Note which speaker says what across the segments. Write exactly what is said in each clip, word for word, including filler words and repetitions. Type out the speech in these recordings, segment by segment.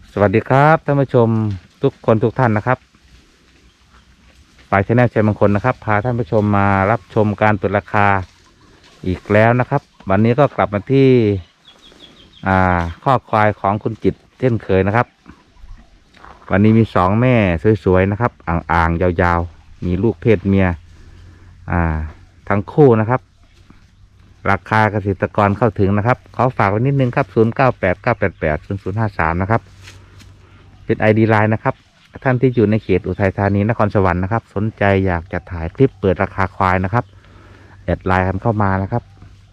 Speaker 1: สวัสดีครับท่านผู้ชมทุกคนทุกท่านนะครับฝ่ายชแนลชัยมงคลนะครับพาท่านผู้ชมมารับชมการเปิดราคาอีกแล้วนะครับ วันนี้ก็กลับมาที่อ่าข้อควายของคุณจิตเช่นเคยนะครับวันนี้มีสองแม่สวยๆนะครับอ่างๆยาวๆมีลูกเพศเมียอ่าทั้งคู่นะครับราคาเกษตรกรเข้าถึงนะครับขอฝากไว้นิดนึงครับศูนย์เก้าแปด เก้าแปดแปด ศูนย์ศูนย์ห้าสามนะครับเป็น ไอ ดี ไลน์นะครับท่านที่อยู่ในเขตอุทัยธานีนครสวรรค์นะครับสนใจอยากจะถ่ายคลิปเปิดราคาควายนะครับแอดไลน์กันเข้ามานะครับ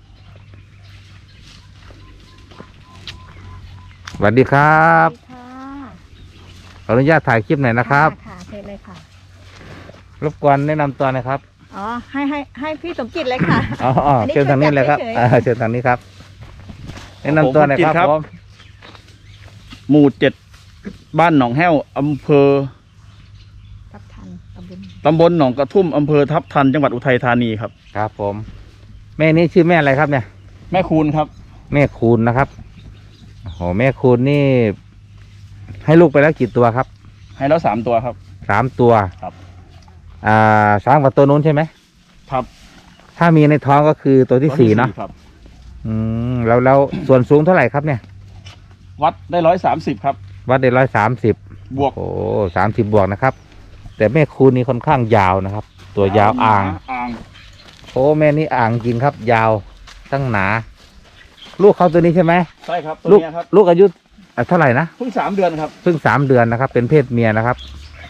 Speaker 1: สวัสดีครับขออนุญาตถ่ายคลิปหน่อยนะครับ
Speaker 2: ค่ะเชิญเลยค่ะ
Speaker 1: รบกวนแนะนำตัวหนะครับ
Speaker 2: อ๋อให้ให้ให้พี่สมจิตเลยค่ะ
Speaker 1: อ๋อเชิญทางนี้เลยครับเชิญทางนี้ครับแนะนำตัวหน่อยครับผม
Speaker 3: หมู่เจ็ดบ้านหนองแห้วอำเภอ
Speaker 2: ทับทันตำบล
Speaker 3: ตำบลหนองกระทุ่มอำเภอทับทันจังหวัดอุทัยธานีครับ
Speaker 1: ครับผมแม่นี้ชื่อแม่อะไรครับเนี่ย
Speaker 3: แม่คูณครับ
Speaker 1: แม่คูณนะครับโอ้โหแม่คูณนี่ให้ลูกไปแล้วกี่ตัวครับ
Speaker 3: ให้แล้วสามตัวครับ
Speaker 1: สามตัว
Speaker 3: ครับ
Speaker 1: อ่าสามกับตัวนู้นใช่ไหม
Speaker 3: ครับ
Speaker 1: ถ้ามีในท้องก็คือตัวที่สี่เนาะ
Speaker 3: ครับ
Speaker 1: อืมแล้วแล้วส่วนสูงเท่าไหร่ครับเนี่ย
Speaker 3: วัดได้ร้อยสามสิบครับ
Speaker 1: วัดได้ร้อยสามสิบบวกโอ้สามสิบบวกนะครับแต่แม่คูณนี่ค่อนข้างยาวนะครับตัวยาวอ่าง
Speaker 3: อ่าง
Speaker 1: โอ้แม่นี่อ่างจริงครับยาวตั้งหนาลูกเขาตัวนี้ใช่ไหม
Speaker 3: ใช่ครับตัวนี้ครับ
Speaker 1: ลูกอายุเท่าไหร่นะ
Speaker 3: เพิ่งสามเดือนครับ
Speaker 1: เพิ่งสามเดือนนะครับเป็นเพศเมียนะครับ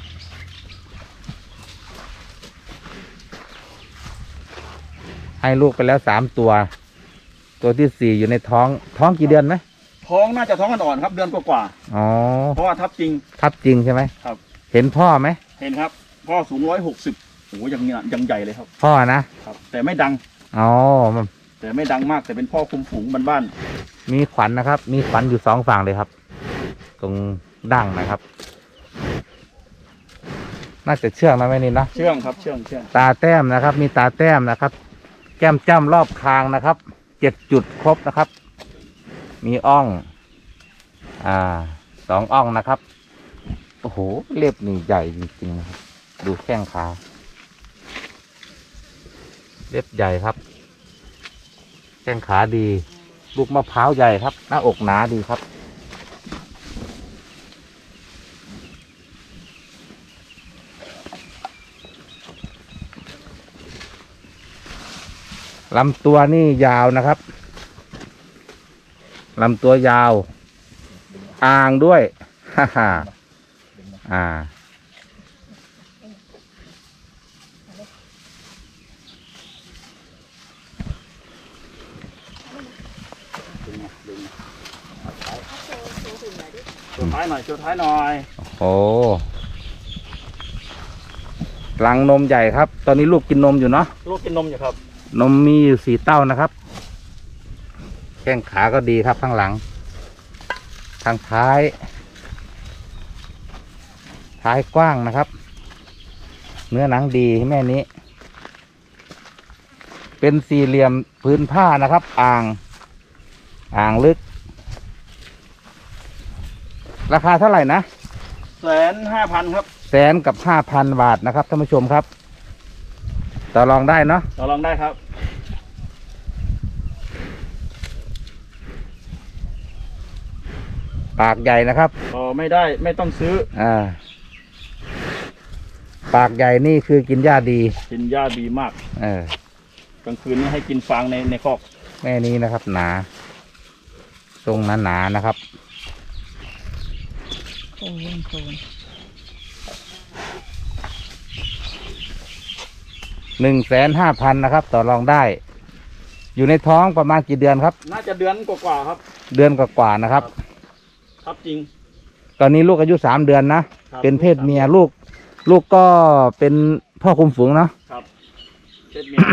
Speaker 1: ให้ลูกไปแล้วสามตัวตัวที่สี่อยู่ในท้องท้องกี่เดือนไหม
Speaker 3: ท้องน่าจะท้องอ่อนๆครับเดือนกว่า
Speaker 1: ๆอ๋อ
Speaker 3: เพราะว่าทับจริง
Speaker 1: ทับจริงใช่ไหม
Speaker 3: ครับ
Speaker 1: เห็นพ่อไหม
Speaker 3: เห็นครับพ่อสูงร้อยหกสิบโอ้ยังยังใหญ่เลยครับ
Speaker 1: พ่อนะครับ
Speaker 3: แต่ไม่ดัง
Speaker 1: อ๋อ
Speaker 3: แต่ไม่ดังมากแต่เป็นพ่อคุมฝูงบ้าน
Speaker 1: ๆมีขวัญนะครับมีขวัญอยู่สองฝั่งเลยครับตรงดั้งนะครับน่าจะเชื่องนะแม่นินนะ
Speaker 3: เชื่องครับเชื่องเชื่อง
Speaker 1: ตาแต้มนะครับมีตาแต้มนะครับแก้มจ้ำรอบคางนะครับเจ็ดจุดครบนะครับมีอ่องอ่าสองอ่องนะครับโอ้โหเล็บนี่ใหญ่จริงๆนะครับดูแข้งขาเล็บใหญ่ครับแข้งขาดีลูกมะพร้าวใหญ่ครับหน้าอกหนาดีครับลำตัวนี่ยาวนะครับลำตัวยาวอ่างด้วยฮ่าฮ่าอ่า
Speaker 3: โชว์ท้ายหน่อยโชว์ท้ายหน่อย
Speaker 1: โอ้ลังนมใหญ่ครับตอนนี้ลูกกินนมอยู่เนาะ
Speaker 3: ลูกกินนมอยู่ครับ
Speaker 1: นมมีอยู่สี่เต้านะครับแข้งขาก็ดีครับข้างหลังทางท้ายท้ายกว้างนะครับเนื้อหนังดีแม่นี้เป็นสี่เหลี่ยมพื้นผ้านะครับอ่างอ่างลึกราคาเท่าไหร่นะ
Speaker 3: แสนห้าพันครับ
Speaker 1: แสนกับห้าพันบาทนะครับท่านผู้ชมครับต่อรองได้เนาะ
Speaker 3: ต่อรองได้ครับ
Speaker 1: ปากใหญ่นะครับ
Speaker 3: ต่อไม่ได้ไม่ต้องซื้อ
Speaker 1: อ่าปากใหญ่นี่คือกินหญ้าดี
Speaker 3: กินหญ้าดีมาก
Speaker 1: เอ
Speaker 3: อกลางคืนนี่ให้กินฟางในในคอก
Speaker 1: แม่นี้นะครับหนาทรงหนาหนานะครับ
Speaker 2: โค้งโค้ง
Speaker 1: หนึ่งแสนห้าพันนะครับต่อรองได้อยู่ในท้องประมาณกี่เดือนครับ
Speaker 3: น่าจะเดือนกว่าๆครับ
Speaker 1: เดือนกว่าๆนะครับ
Speaker 3: ครับจริง
Speaker 1: ตอนนี้ลูกอายุสามเดือนนะเป็นเพศเมียลูกลูกก็เป็นพ่อคุมฝูงเนาะ
Speaker 3: ครับเพศเมีย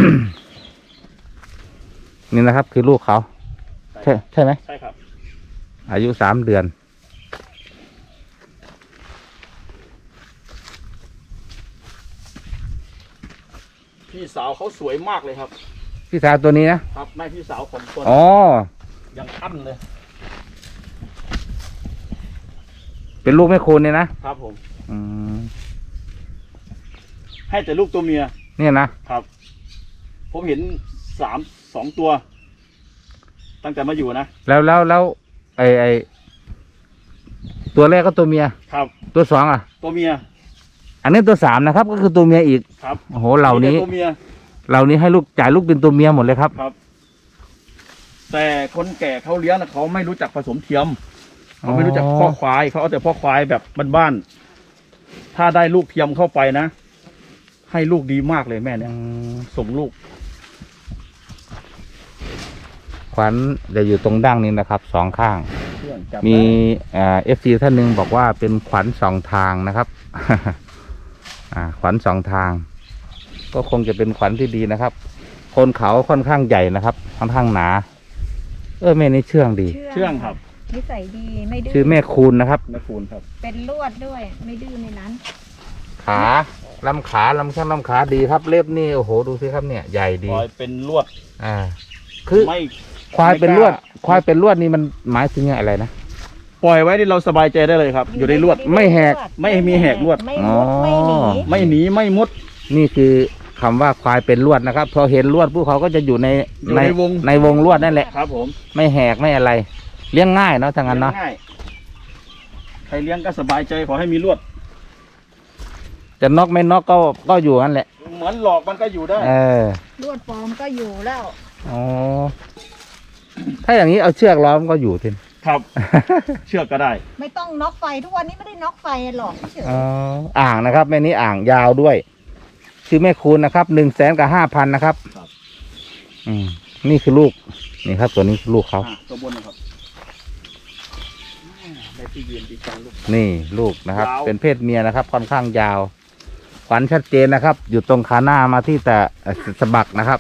Speaker 1: นี่นะครับคือลูกเขาใช่ใช่ไหม
Speaker 3: ใช่ครับ
Speaker 1: อายุสามเดือน
Speaker 3: พี่สาวเขาสวยมากเลยครับ
Speaker 1: พี่สาวตัวนี้นะครับ
Speaker 3: แม่พี่สาวของตัว
Speaker 1: อ๋อ
Speaker 3: ยังอั้นเลย
Speaker 1: เป็นลูกแม่คูณเนี่ยนะครับ
Speaker 3: ผม
Speaker 1: อืม
Speaker 3: ให้แต่ลูกตัวเมีย
Speaker 1: เนี่ยนะ
Speaker 3: ครับ ผมเห็นสามสองตัว ตั้งแต่มาอยู่นะ
Speaker 1: แล้วแล้วแล้วไอไอตัวแรกก็ตัวเมีย
Speaker 3: ครับ
Speaker 1: ตัวสองอ่ะ
Speaker 3: ตัวเมีย
Speaker 1: อันนี้ตัวสามนะครับ ก็คือตัวเมียอีก
Speaker 3: ครับ
Speaker 1: โอ้โหเหล่านี้
Speaker 3: มีแต่ตัวเมีย
Speaker 1: เหล่านี้ให้ลูกจ่ายลูกเป็นตัวเมียหมดเลยครับ
Speaker 3: ครับ แต่คนแก่เขาเลี้ยงนะเขาไม่รู้จักผสมเทียมเขาไม่รู้จักพ่อควายเขาเอาแต่พ่อควายแบบบ้านๆถ้าได้ลูกเทียมเข้าไปนะ ให้ลูกดีมากเลยแม่เนี่ย
Speaker 1: อืม
Speaker 3: ส่งลูก
Speaker 1: ขวัญจะอยู่ตรงดั้งนี้นะครับสองข้าง
Speaker 3: เครื่องจับ
Speaker 1: มี
Speaker 3: ได้
Speaker 1: เอฟซีท่านหนึ่งบอกว่าเป็นขวัญสองทางนะครับ อ่าขวัญสองทาง ก็คงจะเป็นขวัญที่ดีนะครับ โคนเขาค่อนข้างใหญ่นะครับค่อนข้างหนา เออแม่นี่เชื่องดี
Speaker 3: เชื่องครับ
Speaker 2: นิสัยดีไม่ดื้อ
Speaker 1: ชื่อแม่คูณนะครับ
Speaker 3: แม่คูณครับ
Speaker 2: เป็นลวดด้วย ไม่ดื้อในนั้น
Speaker 1: ขาลำขาลำข้างลำขาดีครับ เล็บนี่โอ้โหดูสิครับเนี่ยใหญ่ดี
Speaker 3: คอยเป็นลวด
Speaker 1: อ่า คือ
Speaker 3: ไม่
Speaker 1: ควายเป็นลวด
Speaker 3: ไม่กล้า
Speaker 1: ควายเป็นลวดนี่มันหมายถึงอะไรนะ
Speaker 3: ปล่อยไว้ที่เราสบายใจได้เลยครับ อยู่ในลวด
Speaker 1: ไม่แหก
Speaker 3: ไม่มีแหกลวด
Speaker 2: ไม่มุดไม่หนี
Speaker 3: ไม่หนีไม่มุด
Speaker 1: นี่คือคำว่าควายเป็นลวดนะครับ พอเห็นลวดพวกเขาก็จะอยู่ใน
Speaker 3: อยู่ในวง
Speaker 1: ในวงลวดนั่นแหละ
Speaker 3: ครับผม
Speaker 1: ไม่แหกไม่อะไร เลี้ยงง่ายเนาะทางนั้นเนาะ
Speaker 3: ลี้ยงง่ายใครเลี้ยงก็สบายใจขอให้มีลวด
Speaker 1: จะนอกไม่นอกก็ก็อยู่นั่นแหละ
Speaker 3: เหมือนหลอกมันก็อยู่ได้
Speaker 1: เออ
Speaker 2: ลวดปลอมก็อยู่แล้ว
Speaker 1: อ๋อถ้าอย่างนี้เอาเชือกล้อมก็อยู่ทีน
Speaker 3: ครับ เชือกก็ได้
Speaker 2: ไม่ต้องน็อกไฟทุกวันนี้ไม่ได้น็อกไฟหรอกเฉย
Speaker 1: อ๋ออ่างนะครับแม่นี้อ่างยาวด้วยชื่อแม่คูณนะครับหนึ่งแสนกับห้าพันนะครับ
Speaker 3: ครับ
Speaker 1: อืมนี่คือลูกนี่ครับ ตัวนี้คือลูกเขา
Speaker 3: อ่ะตัวบนนะครับได้ที่ยืนดีจังลูก
Speaker 1: นี่ลูกนะครับ
Speaker 3: ยาว
Speaker 1: เป็นเพศเมียนะครับ ค่อนข้างยาวขวัญชัดเจนนะครับ อยู่ตรงขาหน้ามาที่แต่เอ่อสะบักนะครับ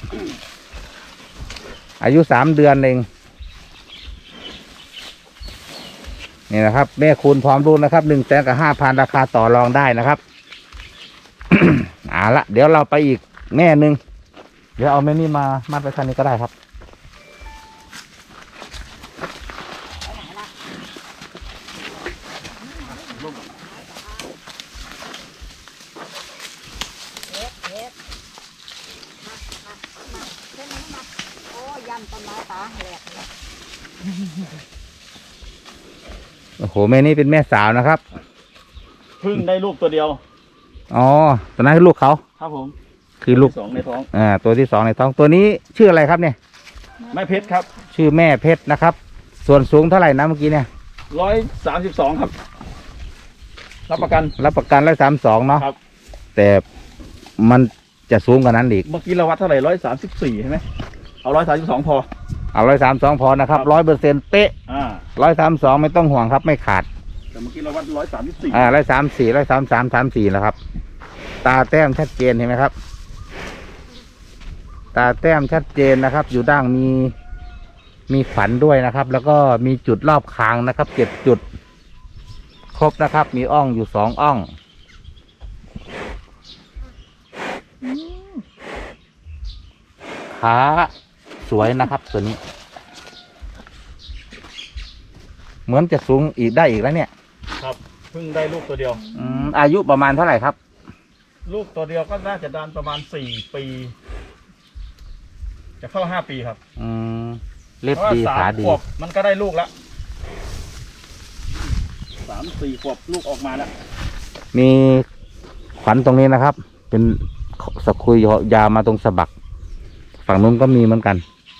Speaker 1: อายุสามเดือนเองนี่นะครับ แม่คูณพร้อมลูกนะครับหนึ่งแสนกับห้าพันราคาต่อรองได้นะครับ เอาละเดี๋ยวเราไปอีกแม่หนึ่งเดี๋ยวเอาแม่นี่มามัดไปคันนี้ก็ได้ครับ
Speaker 2: โอ้ยำต้นไม้ตาแหลกเลย
Speaker 1: โอ้โหแม่นี่เป็นแม่สาวนะครับ
Speaker 3: เพึ่งได้ลูกตัวเดียว
Speaker 1: อ๋อตัวนั้นคือลูกเขา
Speaker 3: ครับผม
Speaker 1: คือลูก
Speaker 3: สองในท้อง
Speaker 1: อ่าตัวที่สองในท้องตัวนี้ชื่ออะไรครับเนี่ย
Speaker 3: แม่เพชรครับ
Speaker 1: ชื่อแม่เพชรนะครับ ส่วนสูงเท่าไหร่นะเมื่อกี้เนี่ย
Speaker 3: ร้อยสามสิบสองครับ รับประกัน
Speaker 1: รับประกันร้อยสามสองเนาะ
Speaker 3: ครับ
Speaker 1: แต่มันจะสูงกว่านั้นอีก
Speaker 3: เมื่อกี้เราวัดเท่าไหร่ร้อยสามสิบสี่ใช่ไหมเอาร้อยสามสิบสองพอ
Speaker 1: เอาร้อยสามสองพอนะครับ
Speaker 3: ครับ
Speaker 1: ร้อยเปอร์เซ็นต์เป๊ะ
Speaker 3: อ่า
Speaker 1: ร้อยสามสองไม่ต้องห่วงครับ ไม่ขาด
Speaker 3: แต่เมื่อกี้เราวัดร้อยสามสิบสี่
Speaker 1: อ่าร้อยสามสี่ร้อยสามสามสามสี่แล้วครับ ตาแต้มชัดเจนเห็นไหมครับ ตาแต้มชัดเจนนะครับ อยู่ด้านมีมีฝันด้วยนะครับ แล้วก็มีจุดรอบคางนะครับเจ็ดจุด ครบนะครับ มีอ่องอยู่สองอ่อง
Speaker 2: อืม
Speaker 1: ขาสวยนะครับตัวนี้ เหมือนจะสูงอีกได้อีกแล้วเนี่ย
Speaker 3: ครับเพิ่งได้ลูกตัวเดียว
Speaker 1: อืมอายุประมาณเท่าไหร่ครับ
Speaker 3: ลูกตัวเดียวก็น่าจะดานประมาณสี่ปี จะเข้าห้าปีครับ
Speaker 1: อืมเล็บ
Speaker 3: เพราะว่า
Speaker 1: ดี
Speaker 3: สา
Speaker 1: ขาม ดี
Speaker 3: ขวบมันก็ได้ลูกแล้วสามสี่ขวบลูกออกมาแล้ว
Speaker 1: มีขวัญตรงนี้นะครับ เป็นสะคุยยาวมาตรงสะบัก ฝั่งนู้นก็มีเหมือนกัน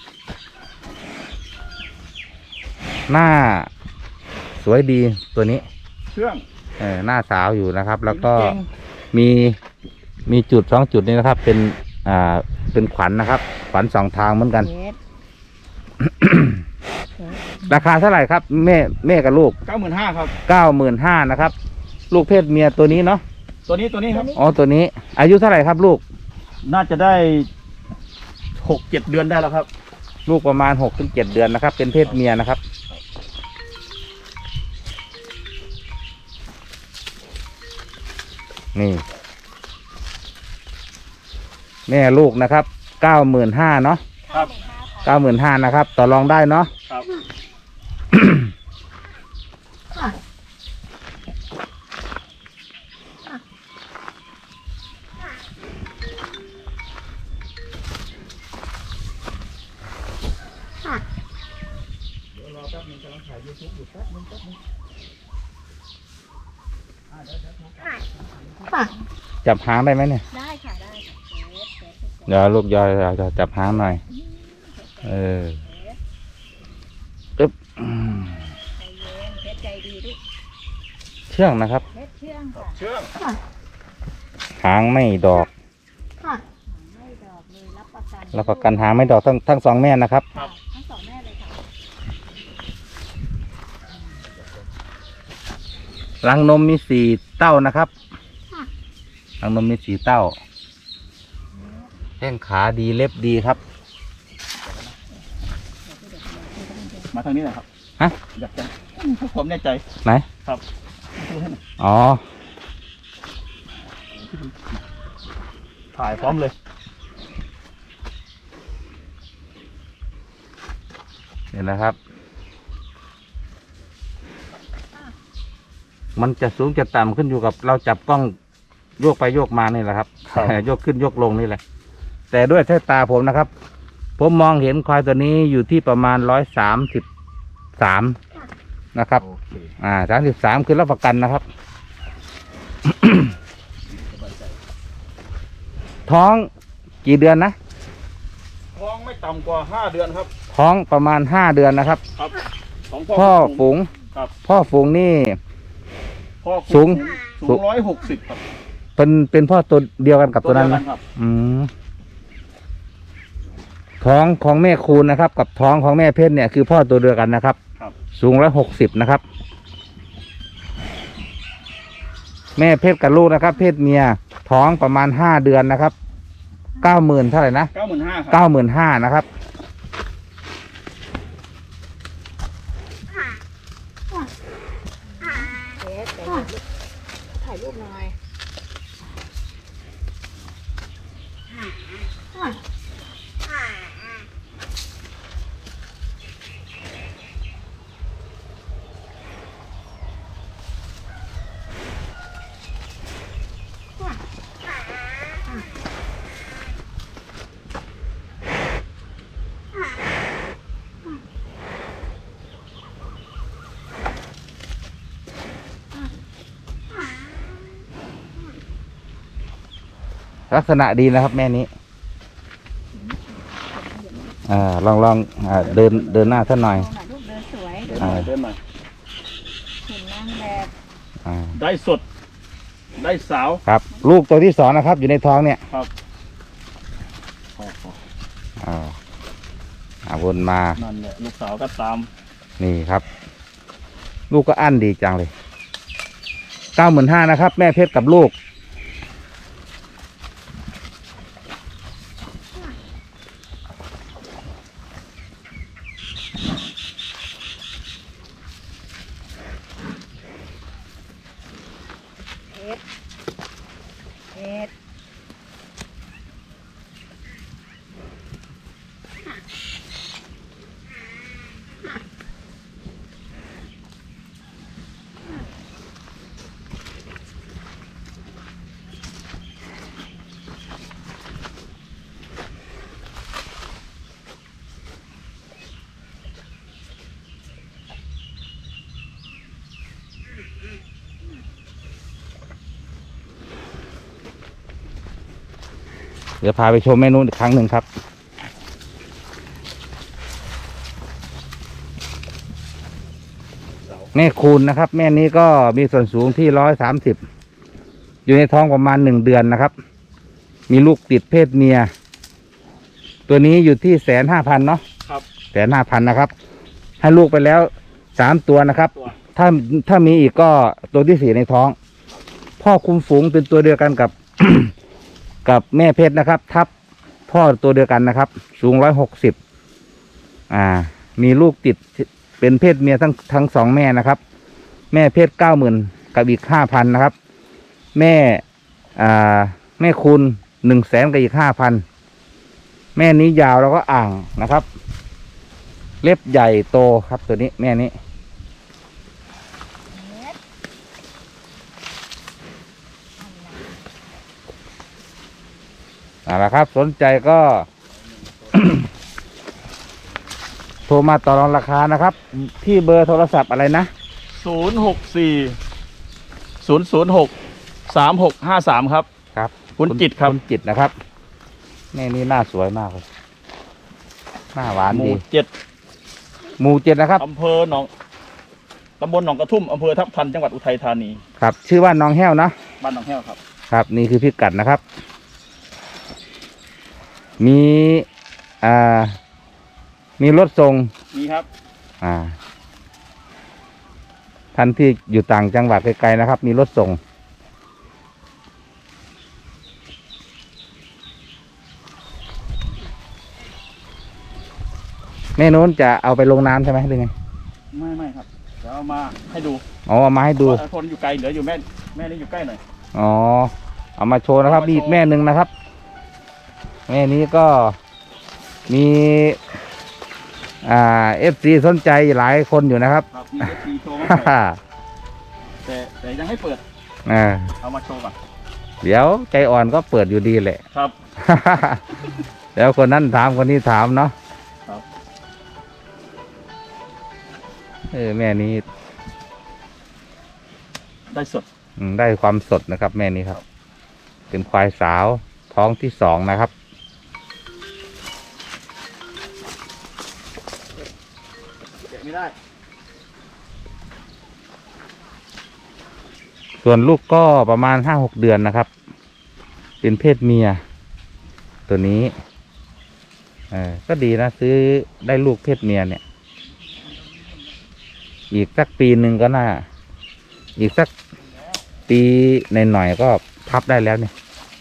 Speaker 1: หน้าสวยดีตัวนี้
Speaker 3: เครื่อง
Speaker 1: เออหน้าสาวอยู่นะครับ แล้วก็
Speaker 3: เก่ง
Speaker 1: มีมีจุดสองจุดนี้นะครับ เป็นอ่าเป็นขวัญนะครับ ขวัญสองทางเหมือนกัน
Speaker 2: เฮ็ด
Speaker 1: ราคาเท่าไหร่ครับ แม่แม่กับลูก
Speaker 3: เก้าหมื่นห้าครับ
Speaker 1: เก้าหมื่นห้านะครับ ลูกเพศเมียตัวนี้เนาะ
Speaker 3: ตัวนี้ตัวนี้ครับ
Speaker 1: อ๋อตัวนี้ อายุเท่าไหร่ครับ ลูก
Speaker 3: น่าจะได้หกเจ็ดเดือนได้แล้วครับ
Speaker 1: ลูกประมาณหกถึงเจ็ดเดือนนะครับ เป็นเพศเมียนะครับ นี่ แม่ลูกนะครับเก้าหมื่นห้าเนาะ
Speaker 3: ครับ
Speaker 1: เก้าหมื่นห้านะครับ ต่อรองได้เนาะ
Speaker 3: ครับแป๊บนึงกำลังถ่ายยูทูบอยู่แป๊บนึงแป๊บนึงอ่าเดี๋ยวเดี๋ยว
Speaker 2: ค่ะ
Speaker 1: จับหางได้ไหมเนี่ย
Speaker 2: ได้ค่ะได้ค่ะเฟสเฟส
Speaker 1: เดี๋ยวลูกยอยจะจับหางหน่อย เอออึ๊บอืม
Speaker 2: ใจเย็นเฟสใจดีลูก
Speaker 1: เชื่องนะครับ
Speaker 2: เฟสเชื่องค่ะ
Speaker 3: เชื่อง
Speaker 2: ค่ะ
Speaker 1: หางไม่ดอก
Speaker 2: ค่ะไม่ดอกเลยรับประกัน
Speaker 1: แล้วประกันหางไม่ดอกทั้งทั้งสองแม่นะครับ
Speaker 2: ค่ะทั้งสองแม่เลยค่ะ
Speaker 1: รังนมมีสี่เต้านะครับ
Speaker 2: ค่ะ
Speaker 1: รังนมมีสี่เต้าแข้งขาดีเล็บดีครับ
Speaker 3: มาทางนี้หน่อยครับ
Speaker 1: ฮะ
Speaker 3: อยากจะผมแน่ใจ
Speaker 1: ไหน
Speaker 3: ครับดูให้หน่อย
Speaker 1: อ๋อ
Speaker 3: ถ่ายพร้อมเลย
Speaker 1: เห็นนะครับ มันจะสูงจะต่ำขึ้นอยู่กับเราจับกล้องโยกไปโยกมานี่แหละครับ
Speaker 3: ครับ
Speaker 1: โยกขึ้นโยกลงนี่แหละ แต่ด้วยสายตาผมนะครับ ผมมองเห็นควายตัวนี้อยู่ที่ประมาณร้อยสามสิบสามนะครับ
Speaker 3: โอเค
Speaker 1: อ่าสามสิบสามคือรับประกันนะครับ ท้องกี่เดือนนะ
Speaker 3: ท้องไม่ต่ำกว่าห้าเดือนครับ
Speaker 1: ท้องประมาณห้าเดือนนะครับ
Speaker 3: ครับของ
Speaker 1: พ่อฝูง
Speaker 3: ครับ
Speaker 1: พ่อฝูงนี่
Speaker 3: พ่อ
Speaker 1: สูง
Speaker 3: สูงร้อยหกสิบครับ
Speaker 1: เป็นเป็นพ่อตัวเดียวกันกับตัวนั้น
Speaker 3: เดี
Speaker 1: นะ
Speaker 3: ยครับ
Speaker 1: อืมท้องของแม่คูณนะครับ กับท้องของแม่เพชรเนี่ยคือพ่อตัวเดียวกันนะครับ
Speaker 3: ครับ
Speaker 1: สูงร้อยหกสิบนะครับ แม่เพชรกับลูกนะครับ เพศเมียท้องประมาณห้าเดือนนะครับเก้าหมื่นเท่าไหร่นะ
Speaker 3: เก้าหมื่นห้าครับ
Speaker 1: เก้าหมื่นห้านะครับ
Speaker 2: เฟสใจเย็นลูกถ่ายรูปหน่อย
Speaker 1: ลักษณะดีนะครับ แม่นี้อ่าลองลองอ่าเดินเดินหน้าท่านหน่อย
Speaker 2: เอาหน่อยลูกเดินสวย
Speaker 3: เดินหน่อยเดินหน่อย
Speaker 2: หุ่นนางแบบ
Speaker 1: อ่า
Speaker 3: ได้สด ได้สาว
Speaker 1: ครับ ลูกตัวที่สองนะครับ อยู่ในท้องเนี่ย
Speaker 3: ครับพอพอ
Speaker 1: อ่าอ่าวนมา
Speaker 3: นั่นแหละลูกสาวก็ตาม
Speaker 1: นี่ครับ ลูกก็อั้นดีจังเลยเก้าหมื่นห้านะครับ แม่เพชรกับลูก
Speaker 2: เฟสเฟส
Speaker 1: เดี๋ยวพาไปชมเมนูอีกครั้งหนึ่งครับ แม่คูณนะครับ แม่นี้ก็มีส่วนสูงที่ร้อยสามสิบอยู่ในท้องประมาณหนึ่งเดือนนะครับ มีลูกติดเพศเมีย ตัวนี้อยู่ที่แสนห้าพันเนาะ
Speaker 3: ครับ
Speaker 1: แสนห้าพันนะครับ ให้ลูกไปแล้วสามตัวนะครับ
Speaker 3: ตัว
Speaker 1: ถ้าถ้ามีอีกก็ตัวที่สี่ในท้อง พ่อคุมฝูงเป็นตัวเดียวกันกับ กับแม่เพชรนะครับ ทับพ่อตัวเดียวกันนะครับ สูงร้อยหกสิบอ่า มีลูกติดเป็นเพศเมียทั้งทั้งสองแม่นะครับ แม่เพศเก้าหมื่นกับอีกห้าพันนะครับ แม่อ่าแม่คุณหนึ่งแสนกับอีกห้าพันแม่นี้ยาวแล้วก็อ่างนะครับ เล็บใหญ่โตครับตัวนี้แม่นี้
Speaker 2: เฟส
Speaker 1: เอาละครับ สนใจก็โทรมาต่อรองราคานะครับ ที่เบอร์โทรศัพท์อะไรนะ
Speaker 3: ศูนย์หกสี่ศูนย์ศูนย์หกสามหกห้าสามครับ
Speaker 1: ครับ
Speaker 3: คุณจิตครับ
Speaker 1: คุณจิตนะครับแม่นี่หน้าสวยมากเลยหน้าหวาน
Speaker 3: หมู่
Speaker 1: ดี
Speaker 3: เจ็ด
Speaker 1: หมู่เจ็ดนะครับ
Speaker 3: อำเภอหนองตำบลหนองกระทุ่มอำเภอทับทันจังหวัดอุทัยธานี
Speaker 1: ครับ ชื่อว่าน้องแห้วนะ
Speaker 3: บ้านหนองแห้วครับ
Speaker 1: ครับ นี่คือพิกัดนะครับ มีอ่ามีรถส่ง
Speaker 3: นี่ครับ
Speaker 1: อ่าท่านที่อยู่ต่างจังหวัดไกลๆนะครับ มีรถส่ง แม่นู้นจะเอาไปลงน้ำใช่ไหมหรือไง
Speaker 3: ไม่ไม่ครับเดี๋ยวเอามาให้ดู
Speaker 1: อ๋อเอามาให้ดู
Speaker 3: ว่าคนอยู่ไกลเหลืออยู่แม่แม่นี่อยู่ใกล้หน่อย
Speaker 1: อ๋อ เอามาโชว์นะครับ
Speaker 3: เอามาโชว์
Speaker 1: มีอีกแม่หนึ่งนะครับ แม่นี้ก็มี อ่าเอฟซีสนใจหลายคนอยู่นะครับ
Speaker 3: ครับมีเอฟซีโชว์มา
Speaker 1: ฮ่า
Speaker 3: ให้
Speaker 1: ฮ่า
Speaker 3: แต่แต่ยังให้เปิด
Speaker 1: อ่า
Speaker 3: เอามาโชว์ก่อน
Speaker 1: เดี๋ยวใจอ่อนก็เปิดอยู่ดีแหละ
Speaker 3: ครับ
Speaker 1: เดี๋ยวคนนั้นถามคนนี้ถามเนาะ
Speaker 3: ครับ
Speaker 1: เออแม่นี้
Speaker 3: ได้สด
Speaker 1: อืมได้ความสดนะครับ แม่นี้ครับ เป็นควายสาวท้องที่สองนะครับ
Speaker 3: เก็บไม่ได้
Speaker 1: ส่วนลูกก็ประมาณห้าหกเดือนนะครับ เป็นเพศเมีย ตัวนี้เออก็ดีนะซื้อได้ลูกเพศเมียเนี่ย อีกสักปีหนึ่งก็น่า อีกสักปีในหน่อยๆก็พับได้แล้วเนี่ย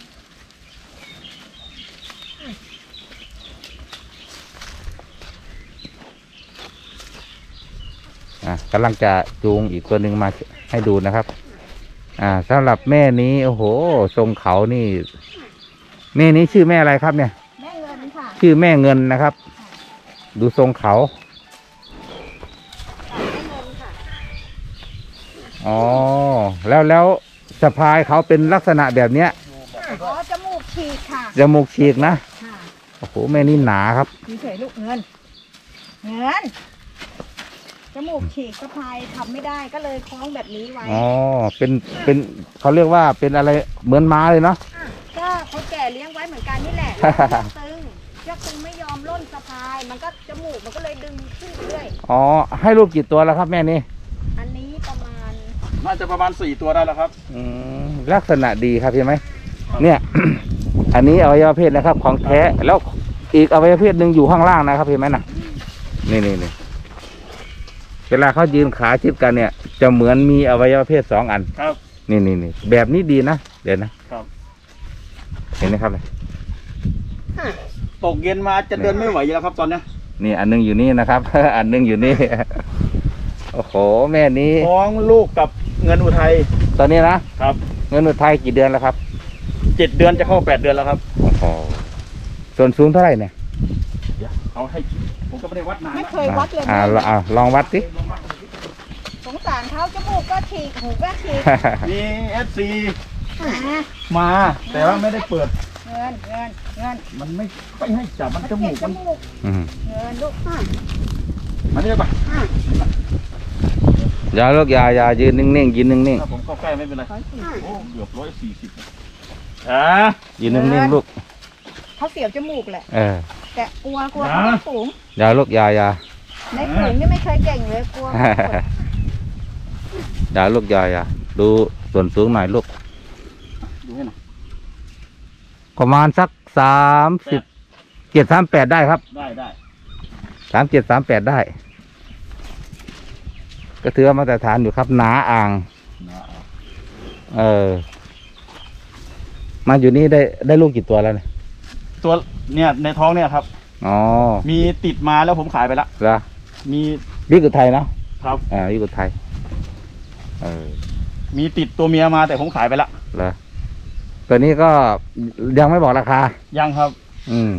Speaker 1: อ่ะกำลังจะจูงอีกตัวหนึ่งมาให้ดูนะครับ อ่าสำหรับแม่นี้โอ้โหทรงเขานี่แม่นี้ชื่อแม่อะไรครับเนี่ย
Speaker 2: แม่เงินค่ะ
Speaker 1: ชื่อแม่เงินนะครับ ดูทรงเขา
Speaker 2: แม่เงินค่ะ
Speaker 1: อ๋อแล้วแล้วสะพายเขาเป็นลักษณะแบบเนี้ย
Speaker 2: อ๋อจมูกฉีกค่ะ
Speaker 1: จมูกฉีกนะ
Speaker 2: ค่ะ
Speaker 1: โอ้โหแม่นี่หนาครับ
Speaker 2: มีเฉยลูกเงิน เงิน จมูกฉีกสะพายทำไม่ได้ก็เลยคล้องแบบนี้ไว้
Speaker 1: อ๋อเป็นเป็นเขาเรียกว่าเป็นอะไรเหมือนม้าเลยเนาะ
Speaker 2: ก็เขาแก่เลี้ยงไว้เหมือนกันนี่แหละ เชือกตึงเชือกตึงไม่ยอมล่นสะพาย มันก็จมูกมันก็เลยดึงขึ้นเรื่อย
Speaker 1: อ๋อให้ลูกกี่ตัวแล้วครับแม่นี่
Speaker 2: อันนี้ประมาณ
Speaker 3: น่าจะประมาณสี่ตัวได้แล้วครับ
Speaker 1: อืมลักษณะดีครับเห็นไหมเนี่ย อันนี้อวัยวะเพศนะครับ ของแท้แล้วอีกอวัยวะเพศหนึ่งอยู่ข้างล่างนะครับเห็นไหมนะนี่นี่นี่เวลาเขายืนขาชิดกันเนี่ย จะเหมือนมีอวัยวะเพศสองอัน
Speaker 3: ครับ
Speaker 1: นี่นี่นี่แบบนี้ดีนะเดี๋ยวนะครับ เห็นไหมครับเนี่ย
Speaker 3: ตกเย็นมาจะเดินไม่ไหวอยู่แล้วครับตอนเนี้ย
Speaker 1: นี่อันหนึงอยู่นี่นะครับ อันหนึงอยู่นี่ โอ้โหแม่นี้
Speaker 3: ท้องลูกกับเงินอุทัย
Speaker 1: ตอนนี้นะครับ เงินอุทัยกี่เดือนแล้วครับ
Speaker 3: เจ็ดเดือนจะเข้าแปดเดือนแล้วครับ
Speaker 1: โอ้โหส่วนสูงเท่าไหร่เนี่ย
Speaker 3: เดี๋ยวเอาให้ผมก็ไม่ได้วัดนาน
Speaker 2: ไม่
Speaker 3: นะ
Speaker 2: เคยวัดเลย
Speaker 1: อ่า
Speaker 2: แม่
Speaker 1: อ่าลองวัดสิ
Speaker 2: สงสารเขาจมูกก็ฉีกหูก็ฉีก
Speaker 3: มีเอฟซี
Speaker 2: อ่า
Speaker 3: มาแต่ว่าไม่ได้เปิด
Speaker 2: เงินเงินเงิน
Speaker 3: มันไม่ค่อยให้จับมันจมูก
Speaker 2: จ
Speaker 3: มัน
Speaker 2: มูก
Speaker 1: อืม
Speaker 2: เงินลูกอ่ะ
Speaker 3: มันเรียกปะ
Speaker 2: อ่ะ
Speaker 1: อย่าลูกอย่าอย่ายืนนิ่งๆยืนนิ่ง
Speaker 3: ถ้าผมเข้าใกล้ไม่เป็นไร
Speaker 2: ขอฉีก
Speaker 3: โอ้เกือบร้อยสี่สิบอ่า
Speaker 1: ๆยืนนิ่งๆลูก
Speaker 2: เขาเสียวจมูกแหละ
Speaker 1: เออ
Speaker 2: แต่กลัวกลัวเขาไม่สูง
Speaker 1: อย่าลูกอย่าอย่า
Speaker 2: ในฝูงนี่ไม่เคยเก่งเลยกลัว
Speaker 1: อย่าลูกอย่าอย่าดูส่วนสูงหน่อยลูก
Speaker 3: ดูให้หน่อย
Speaker 1: ประมาณสักสามสิบเจ็ดสามแปดได้ครับ
Speaker 3: ได้ได้
Speaker 1: สามเจ็ดสามแปดได้ ก็ถือว่ามาตรฐานอยู่ครับ หนาอ่าง
Speaker 3: นะ
Speaker 1: เออ มาอยู่นี่ได้ได้ลูกกี่ตัวแล้วเนี่ย
Speaker 3: ตัวเนี่ยในท้องเนี่ยครับ
Speaker 1: อ๋อ
Speaker 3: มีติดมาแล้วผมขายไปละ
Speaker 1: เหรอ
Speaker 3: มี
Speaker 1: บิ๊กอุทัยเนาะ
Speaker 3: ครับ
Speaker 1: อ่าบิ๊กอุทัยเออ
Speaker 3: มีติดตัวเมียมาแต่ผมขายไปละ
Speaker 1: เหรอตัวนี้ก็ยังไม่บอกราคา
Speaker 3: ยังครับ
Speaker 1: อืม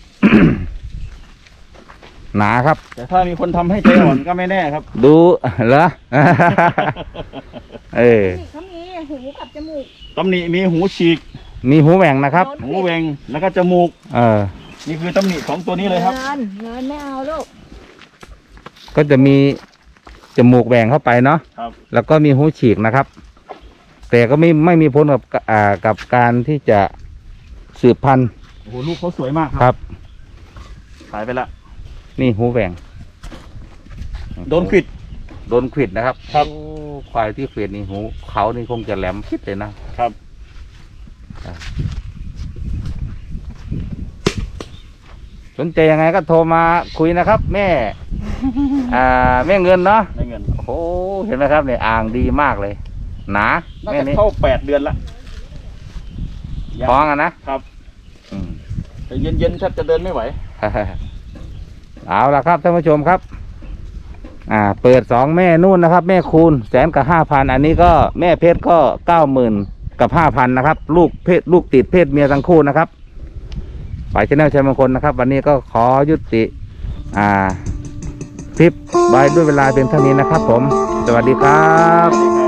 Speaker 1: หนาครับ
Speaker 3: แต่ถ้ามีคนทำให้ใจอ่อน ก็ไม่แน่ครับ
Speaker 1: ดูเหรอ เออ
Speaker 2: นี่เขามีหูกับจมูก
Speaker 3: ตำหนิมีหูฉีก
Speaker 1: มีหูแหว่งนะครับ
Speaker 3: หูเวงแล้วก็จมูก
Speaker 1: เออ
Speaker 3: นี่คือตำหนิของตัวนี้เลยครับ
Speaker 2: เงินเงินไม่เอาลูก
Speaker 1: ก็จะมีจมูกแหว่งเข้าไปเนาะ
Speaker 3: ครับ
Speaker 1: แล้วก็มีหูฉีกนะครับ แต่ก็ไม่ไม่มีผลกับอ่ากับการที่จะสืบพันธุ์
Speaker 3: โอ้โหลูกเขาสวยมาก
Speaker 1: ครับ
Speaker 3: ขายไปละ
Speaker 1: นี่หูแหว่ง
Speaker 3: โดนขวิด
Speaker 1: โดนขวิดนะครับ
Speaker 3: ครับ
Speaker 1: โอ้ควายที่ขวิดนี่หูเขานี่คงจะแหลมพิษเลยนะครับ สนใจยังไงก็โทรมาคุยนะครับ แม่ อ่าแม่เงินเนาะ
Speaker 3: ได้เงิน
Speaker 1: โอ้โหเห็นไหมครับเนี่ยอ่างดีมากเลย หนา
Speaker 3: น่า
Speaker 1: แม่
Speaker 3: จะ
Speaker 1: นี้
Speaker 3: เข้าแปดเดือนละ
Speaker 1: ท้องอ่ะนะครับ อืม
Speaker 3: แต่เย็นๆแทบจะเดินไม่ไหว
Speaker 1: เอาละครับท่านผู้ชมครับ อ่า เปิดสองแม่นู่นนะครับ แม่คูณแสนกับห้าพันอันนี้ก็แม่เพชรก็เก้าหมื่นกับห้าพันนะครับ ลูกเพศลูกติดเพศเมียทั้งคู่นะครับฝ่ายชแนลชัยมงคลนะครับ วันนี้ก็ขอยุติ อ่าคลิปไว้ด้วยเวลาเพียงเท่านี้นะครับผม สวัสดีครับ